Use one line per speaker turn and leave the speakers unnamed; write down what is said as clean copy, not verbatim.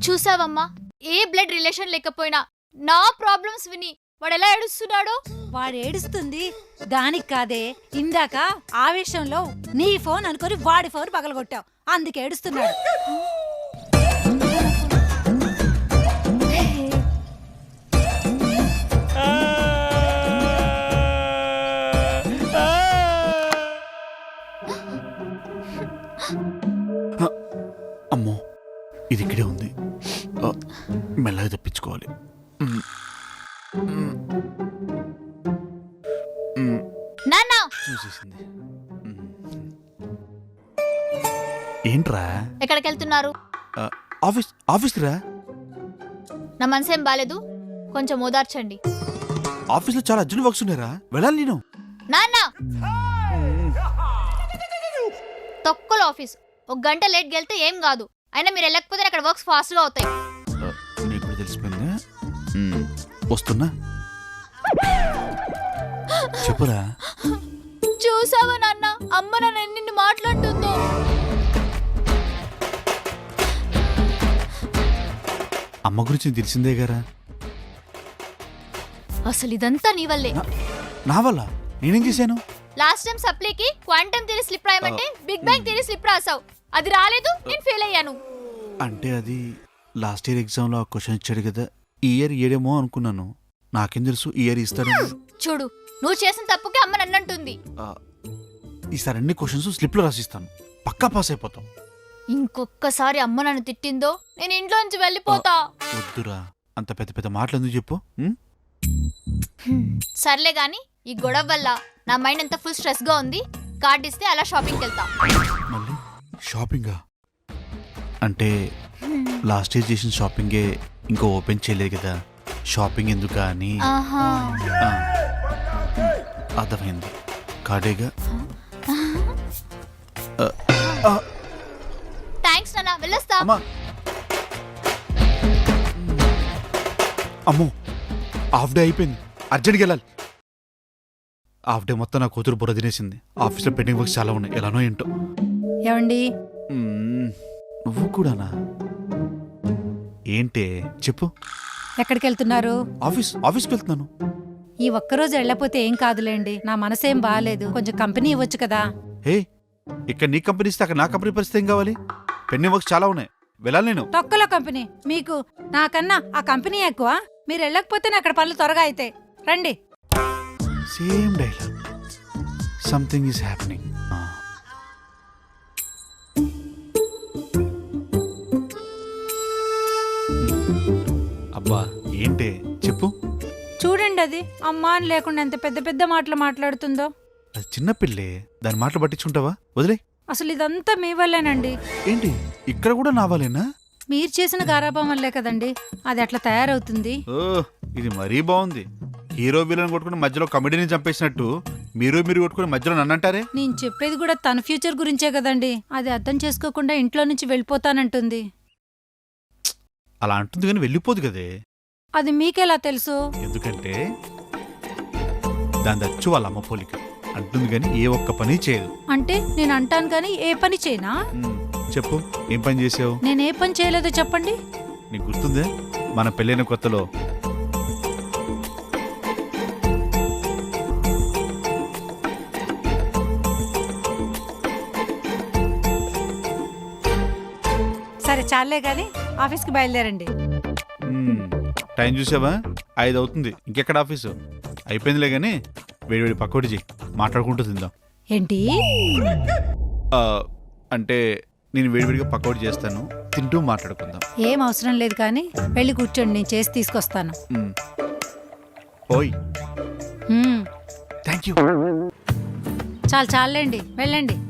చూసావమ్మా, ఏ blood relation లేకపోయినా నా problems విని వాడు ఎలా ఏడుస్తున్నాడో.
వాడు ఏడుస్తుంది దానికి కాదే, ఇందాక ఆవేశంలో నీ ఫోన్ అనుకొని వాడి ఫోన్ పగలగొట్టావు, అందుకే ఏడుస్తున్నాడు.
అమ్మో, ఇది ఇక్కడే ఉంది. మెల్లగా తప్పించుకోవాలి.
నాన్న
చూసేసింది. ఏంట్రా?
ఎక్కడికి వెళ్తున్నారు?
ఆఫీస్ రా.
నా మనసేం బాలేదు, కొంచెం ఓదార్చండి.
ఆఫీస్లో చాలా అర్జెంట్ వర్క్స్ ఉన్నారా, వెళ్ళాలి నేను.
నాన్న తొక్కలో ఆఫీస్, ఒక గంట లేట్ వెళ్తే ఏం కాదు, అయినా మీరు వెళ్ళకపోతే అక్కడ వర్క్స్ ఫాస్ట్ గా అవుతాయి.
నీకు కూడా తెలిసిపోయింది. వస్తున్నా, చెప్పురా.
చూసావా నాన్న, అమ్మ నన్ను ఎన్ని మాట్లాడుతుందో.
అమ్మ గురించి తెలిసిందే గారా.
అసలు ఇదంతా నీ వల్లే.
నా వల్ల? నేనేం చేశాను?
లాస్ట్ టైం సప్లీకి క్వాంటమ్ థియరీ స్లిప్ రాయమంటే బిగ్ బ్యాంగ్ థియరీ స్లిప్ రాసావు, అది రాలేదు, నేను ఫెయిల్ అయ్యాను.
అంటే అది లాస్ట్ ఇయర్ ఎగ్జామ్ లో ఆ క్వశ్చన్ ఇచ్చాడు కదా, ఈ ఇయర్ ఇయ్యడేమో అనుకున్నాను. నాకేం తెలుసు ఈ ఇయర్ ఇస్తాడు.
చూడు, నువ్వు చేసిన తప్పుకి అమ్మ నన్నంటుంది.
ఈసారి అన్ని క్వశ్చన్స్ స్లిప్ లో రాసిస్తాను, పక్కా పాస్ అయిపోతాం.
ఇంకొక్కసారి అమ్మ నన్ను తిట్టిందో నేను ఇంట్లో నుంచి వెళ్ళిపోతా.
వద్దురా, అంత పెద్ద పెద్ద మాటలు ఎందుకు చెప్పు.
సర్లే గాని, ఈ గొడవ వల్ల నా మైండ్ అంతా ఫుల్ స్ట్రెస్ గా ఉంది. కార్డ్ ఇస్తే అలా షాపింగ్కి వెళ్తా.
మళ్ళీ షాపింగా? అంటే లాస్ట్ ఇయర్ చేసిన షాపింగే ఇంకా ఓపెన్ చేయలేదు కదా, షాపింగ్ ఎందుకా అని. అర్థమైంది, కార్డేగా.
థ్యాంక్స్ నాన్న, వెళ్ళొస్తా.
అమ్మో, హాఫ్ డే అయిపోయింది, అర్జెంట్కి వెళ్ళాలి. హాఫ్ డే మొత్తం నా కూతురు బుర్ర తినేసింది. ఆఫీస్లో పెండింగ్ వర్క్స్ చాలా ఉన్నాయి, ఎలానో ఏంటో.
ఏమండి,
నువ్వు కూడానా? ఏంటే చెప్పు.
ఎక్కడికి వెళ్తున్నారు?
ఆఫీస్కి వెళ్తున్నాను.
ఈ ఒక్కరోజు వెళ్ళపోతే ఏం కాదులేండి, నా మనసేం బాగాలేదు, కొంచెం కంపెనీ ఇవ్వచ్చు కదా.
హే, ఇక్కడ నీ కంపెనీ ఇస్తే అక్కడ నా కంపెనీ పరిస్థితి ఏం కావాలి? పెండింగ్ వర్క్స్ చాలా ఉన్నాయి, వెళ్ళాలి నేను.
తొక్కలో కంపెనీ మీకు, నాకన్నా ఆ కంపెనీ ఎక్కువ. మీరు వెళ్ళకపోతే అక్కడ పనులు త్వరగా అవుతాయి, రండి.
Same dialogue, something is happening. అబ్బా, ఏంటే చెప్పు.
చూడండి, అది అమ్మా అని లేకుండా ఎంత పెద్ద పెద్ద మాటలు మాట్లాడుతుందో.
అది చిన్నపిల్లే, దాని మాటలు పట్టించుంటావా? వదిలే.
అసలు ఇదంతా మీ వల్లేనండి.
ఏంటి ఇక్కడ కూడా నావాలేనా?
మీరు చేసిన గారాబం వల్లే కదండి అది అట్లా తయారవుతుంది.
ఓ, ఇది మరీ బాగుంది. హీరో విలన్ కొట్టుకుని మధ్యలో కమెడీని చంపేసినట్టు మీరు కొట్టుకుని మధ్యలో నన్నంటారే.
నేను చెప్పేది కూడా తన ఫ్యూచర్ గురించే కదండి, అది అర్థం చేసుకోకుండా ఇంట్లో నుంచి వెళ్ళిపోతానంటుంది.
అలా అంటుంది కానీ వెళ్ళిపోదు కదే.
అది మీకెలా తెలుసు?
ఎందుకంటే దాని దచ్చు వాళ్ళ అమ్మ పోలిక. అంటుంది కానీ ఏ ఒక్క పని చేయదు.
అంటే నేను అంటాను కానీ ఏ పని చేయనా?
చెప్పు, ఏం పని చేసావు?
నేనే పని చేయలేదో చెప్పండి.
నీకు గుర్తుందే, మన పెళ్ళైన కొత్తలో
సరే చాలే గాని ఆఫీస్కి బయలుదేరండి.
టైం చూసావా? 5 అవుతుంది, ఇంకెక్కడ ఆఫీసు? అయిపోయిందిలే గాని వేడివేడి పకోడీ చెయ్యి, మాట్లాడుకుంటూ తిందాం.
ఏంటి?
అంటే నేను వేడివేడిగా పకోడీ చేస్తాను, తింటూ మాట్లాడుకుందాం.
ఏం అవసరం లేదు కానీ వెళ్ళి కూర్చోండి, నేను చేసి తీసుకొస్తాను.
ఓయ్, థ్యాంక్ యూ.
చాలండి, వెళ్ళండి.